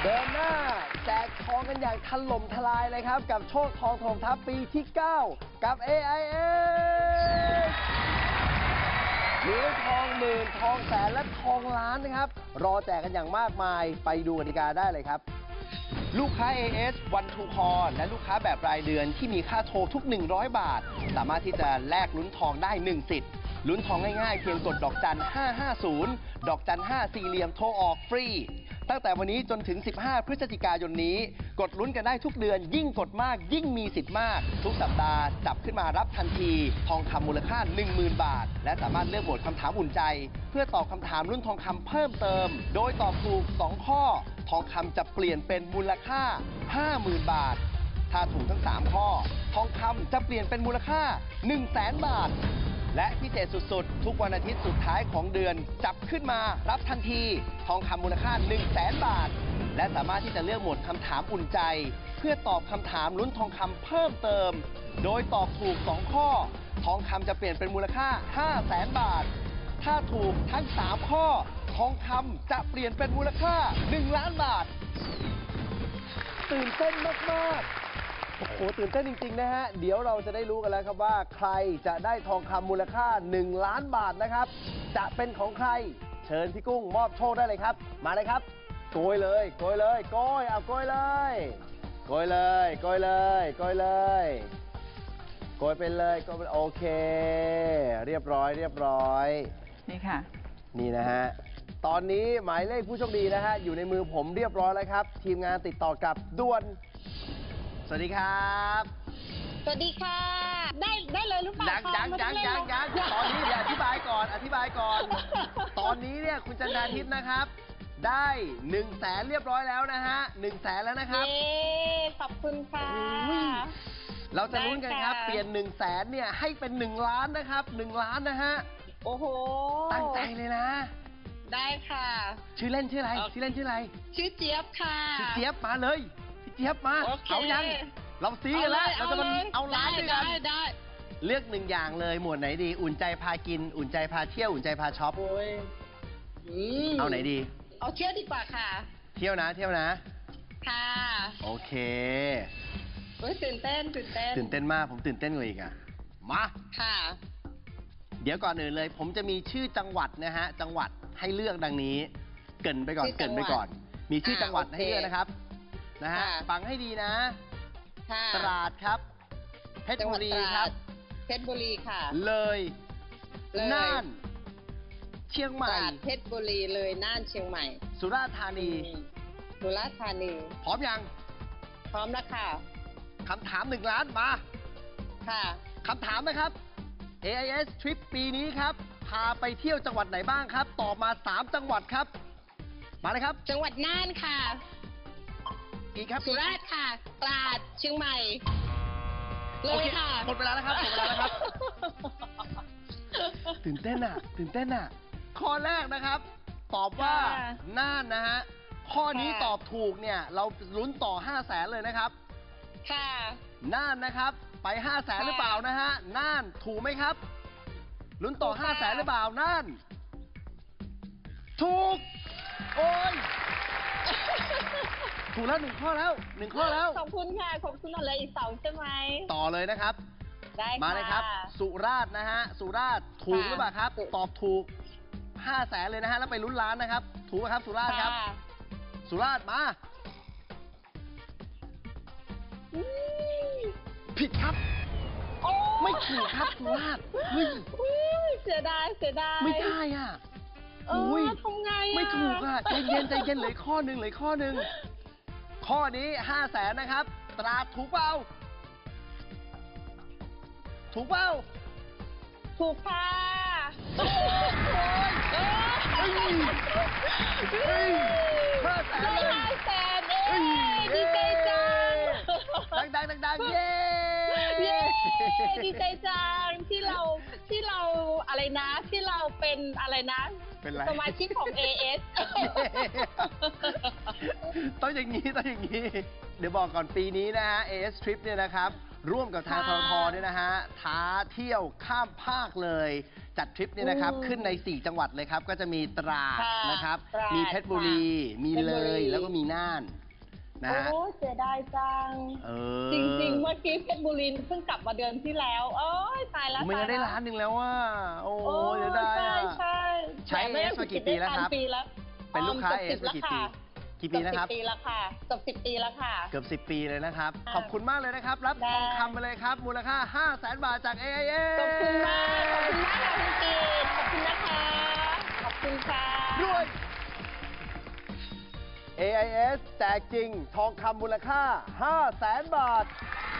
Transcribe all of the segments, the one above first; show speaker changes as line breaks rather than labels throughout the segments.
เดินหน้าแจกทองกันอย่างถล่มทลายเลยครับกับโชคทองถล่มทัพปีที่ 9 กับ AIS เหรียญทองหมื่นทองแสนและทองล้านนะครับรอแจกกันอย่างมากมายไปดูกติกาได้เลยครับลูกค้า AIS One to Call และลูกค้าแบบรายเดือนที่มีค่าโทรทุก100 บาทสามารถที่จะแลกลุ้นทองได้1 สิทธิ์ลุ้นทองง่ายๆเพียงกดดอกจัน 550 ดอกจัน 5 สี่เหลี่ยมโทรออกฟรีตั้งแต่วันนี้จนถึง 15 พฤศจิกายนนี้กดลุ้นกันได้ทุกเดือนยิ่งกดมากยิ่งมีสิทธิ์มากทุกสัปดาห์จับขึ้นมารับทันทีทองคำมูลค่า 10,000 บาทและสามารถเลือกโหมดคำถามอุ่นใจเพื่อตอบคำถามรุ่นทองคำเพิ่มเติมโดยตอบถูก2 ข้อทองคำจะเปลี่ยนเป็นมูลค่า 50,000 บาทถ้าถูกทั้ง3 ข้อทองคำจะเปลี่ยนเป็นมูลค่า 100,000 บาทและพิเศษสุดๆทุกวันอาทิตย์สุดท้ายของเดือนจับขึ้นมารับทันทีทองคำมูลค่า 100,000 บาทและสามารถที่จะเลือกโหมดคำถามอุ่นใจเพื่อตอบคำถามลุ้นทองคำเพิ่มเติมโดยตอบถูก2 ข้อทองคำจะเปลี่ยนเป็นมูลค่า 500,000 บาทถ้าถูกทั้ง3 ข้อทองคำจะเปลี่ยนเป็นมูลค่า 1,000,000 บาทตื่นเต้นมากๆโอ้โหตื่นเต้นจริงๆนะฮะเดี๋ยวเราจะได้รู้กันแล้วครับว่าใครจะได้ทองคำมูลค่า 1,000,000 บาทนะครับจะเป็นของใครเชิญพี่กุ้งมอบโชคได้เลยครับมาเลยครับโกยเลยโกยเลยโกยเอาโกยเลยโกยเลยโกยเลยโกยเลยโกยไปเลยโกยไปโอเคเรียบร้อยเรียบร้อย
นี่ค่ะ
นี่นะฮะตอนนี้หมายเลขผู้โชคดีนะฮะอยู่ในมือผมเรียบร้อยแล้วครับทีมงานติดต่อกับด่วนสวัสดีครับ
สวัสดีค่ะได้เลยหรือเปล่า
ยังตอนนี้เดี๋ยวอธิบายก่อนตอนนี้เนี่ยคุณจันทาทิพย์นะครับได้100,000เรียบร้อยแล้วนะฮะ100,000แล้วนะครับ
ขอบคุณค่ะ
เราจะลุ้นกันครับเปลี่ยน100,000เนี่ยให้เป็น1,000,000นะครับ1,000,000นะฮะ
โอ้โห
ตั้งใจเลยนะ
ได้ค่ะ
ชื่อเล่นชื่ออะไรชื่อเจี๊
ยบค่ะ
ชื่อเจี๊ยบมาเลยพี่เจี๊ยบมาเอายังเราซีกันแล้วเราจะมาเอาล้านด้วยกัน
ได้
เลือก1 อย่างเลยหมวดไหนดีอุ่นใจพากินอุ่นใจพาเที่ยวอุ่นใจพาช็อปเอาไหนดี
เอาเที่ยวดีกว่าค่ะ
เที่ยวนะ
ค่ะ
โอเค
ตื่นเต้น
มากผมตื่นเต้นกว่าอีกอ่ะมา
ค่ะ
เดี๋ยวก่อนอื่นเลยผมจะมีชื่อจังหวัดนะฮะจังหวัดให้เลือกดังนี้เกริ่นไปก่อนมีชื่อจังหวัดให้เลือกนะครับนะฮะฟังให้ดีนะตราดครับเพชรบุรีครับ
เพชรบุรีค่ะ
เลยน่านเชียงใหม่
เพชรบุรีเลยน่านเชียงใหม่
สุราษฎร์ธานี
พร้อม
ยัง
พร้อมแล้วค่ะ
คำถาม1,000,000มา
ค่ะ
คำถามนะครับ AIS Trip ปีนี้ครับพาไปเที่ยวจังหวัดไหนบ้างครับตอบมา3 จังหวัดครับมาเลยครับ
จังหวัดน่านค่ะ
อีกครับ
สุราษฎร์ค่ะตราดเชียงใหม่เลยค่ะ
หมดเวลาแล้วครับตื่นเต้นอ่ะข้อแรกนะครับตอบว่าน่านนะฮะข้อนี้ตอบถูกเนี่ยเราลุ้นต่อ 500,000เลยนะครับ
ค่ะ
น่านนะครับไป 500,000หรือเปล่านะฮะน่านถูกไหมครับลุ้นต่อ 500,000หรือเปล่าน่านถูกโอ้ยถูกแล้ว1 ข้อแล้ว
ขอบคุณค่ะขอบคุณอะไรอีก2ใช่ไหม
ต่อเลยนะครับ
ได้
มาเลยครับสุราษฎร์นะฮะสุราษฎร์ถูกหรือเปล่าครับตอบถูก 500,000เลยนะฮะแล้วไปลุ้นล้านนะครับถูกไหมครับสุราษฎร์ครับสุราษฎร์มาผิดครับไม่ถูกครับสุราษฎร์
เสียดาย
ไม่ได้อ่ะ
ทำไง
ไม่ถูกอ่ะใจเย็นเหลือข้อหนึ่งข้อนี้ 500,000นะครับตราดถูกเปล่า
ถูกค่ะ
500,000
ดีใจจัง
ดังเย้
ดีใจจังที่เราอะไรนะที่เราเป็นอะไรนะสมาชิกของ AS
ต้องอย่างนี้เดี๋ยวบอกก่อนปีนี้นะฮะ AS Trip เนี่ยนะครับร่วมกับทางททเนี่ยนะฮะท้าเที่ยวข้ามภาคเลยจัดทริปเนี่ยนะครับขึ้นใน 4 จังหวัดเลยครับ ก็จะมีตราดนะครับมีเพชรบุรีมีเลยแล้วก็มีน่านนะฮะ
โอ้เสียดายจังจริงๆเมื่อกี้เพชรบุรีเพิ่งกลับมาเดือนที่แล้วโอ้ยตายแล้ว
มันได้ล้านหนึ่งแล้วว่าโอ้เสียดายใช้เอสมากี่ปีแล้วครับเป็นลูกค้าเอสมากี่ปีนะครับ
10 ปีแล้วค่ะเกือบ10 ปีแล้วค่ะ
เกือบ10 ปีเลยนะครับขอบคุณมากเลยนะครับรับทองคำไปเลยครับมูลค่า 500,000 บาทจาก AIS
ขอบคุณมากขอบคุณมากค่ะคุณกีดขอบคุณนะคะขอบคุณค่ะ
ด้วย AIS แจกจริงทองคำมูลค่า 500,000 บาท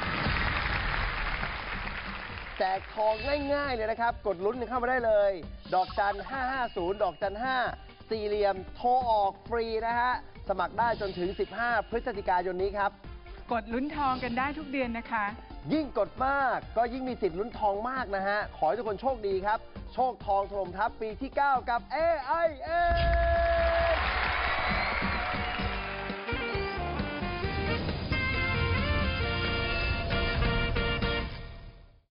แจกทองง่ายๆเลยนะครับกดลุ้นเข้ามาได้เลยดอกจัน550ดอกจัน5สี่เหลี่ยมโทรออกฟรีนะฮะสมัครได้จนถึง15พฤศจิกายนนี้ครับ
กดลุ้นทองกันได้ทุกเดือนนะคะ
ยิ่งกดมากก็ยิ่งมีสิทธิ์ลุ้นทองมากนะฮะขอให้ทุกคนโชคดีครับโชคทองถล่มทัพปีที่ 9 กับ AIS